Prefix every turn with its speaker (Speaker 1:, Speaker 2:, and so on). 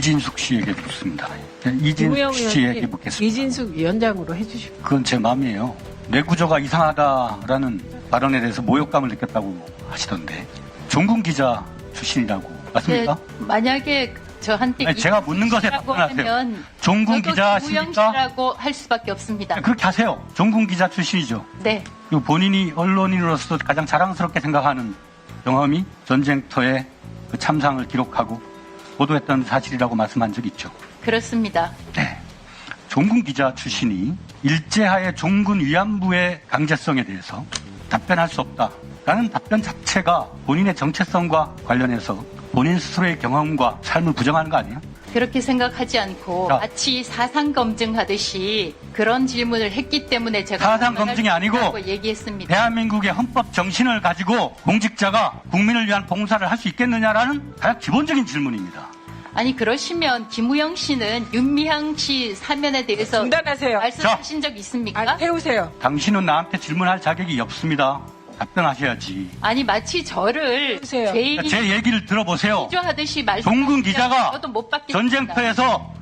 Speaker 1: 이진숙 씨에게 묻습니다.
Speaker 2: 김우영
Speaker 1: 이진숙 씨에게
Speaker 2: 의원님,
Speaker 1: 묻겠습니다.
Speaker 2: 이진숙 위원장으로 해주십시오.
Speaker 1: 그건 제 마음이에요. 내 구조가 이상하다라는 발언에 대해서 모욕감을 느꼈다고 하시던데 종군 기자 출신이라고 맞습니까?
Speaker 3: 네, 만약에 저한테
Speaker 1: 아니, 제가 묻는 것에
Speaker 3: 이라고
Speaker 1: 답변하세요.
Speaker 3: 하면
Speaker 1: 종군
Speaker 3: 저도
Speaker 1: 기자십니까?
Speaker 3: 김우영 씨라고 할 수밖에 없습니다.
Speaker 1: 그렇게 하세요. 종군 기자 출신이죠.
Speaker 3: 네,
Speaker 1: 그리고 본인이 언론인으로서 가장 자랑스럽게 생각하는 경험이 전쟁터의 그 참상을 기록하고 보도했던 사실이라고 말씀한 적이 있죠.
Speaker 3: 그렇습니다.
Speaker 1: 네. 종군 기자 출신이 일제하에 종군 위안부의 강제성에 대해서 답변할 수 없다라는 답변 자체가 본인의 정체성과 관련해서 본인 스스로의 경험과 삶을 부정하는 거 아니에요?
Speaker 3: 그렇게 생각하지 않고
Speaker 1: 자.
Speaker 3: 마치 사상 검증하듯이 그런 질문을 했기 때문에 제가
Speaker 1: 사상
Speaker 3: 답변할
Speaker 1: 검증이
Speaker 3: 수
Speaker 1: 아니고
Speaker 3: 있다고 얘기했습니다.
Speaker 1: 대한민국의 헌법 정신을 가지고 공직자가 국민을 위한 봉사를 할 수 있겠느냐라는 가장 기본적인 질문입니다.
Speaker 3: 아니 그러시면 김우영 씨는 윤미향 씨 사면에 대해서
Speaker 2: 중단하세요.
Speaker 3: 말씀하신 적 있습니까?
Speaker 2: 태우세요.
Speaker 1: 당신은 나한테 질문할 자격이 없습니다. 답변하셔야지.
Speaker 3: 아니 마치 저를
Speaker 2: 해주세요.
Speaker 3: 죄인이
Speaker 1: 제 얘기를 들어보세요.
Speaker 3: 비조하듯이
Speaker 1: 종군
Speaker 3: 말씀하시면
Speaker 1: 기자가
Speaker 3: 저도 못 받겠습니다.
Speaker 1: 전쟁터에서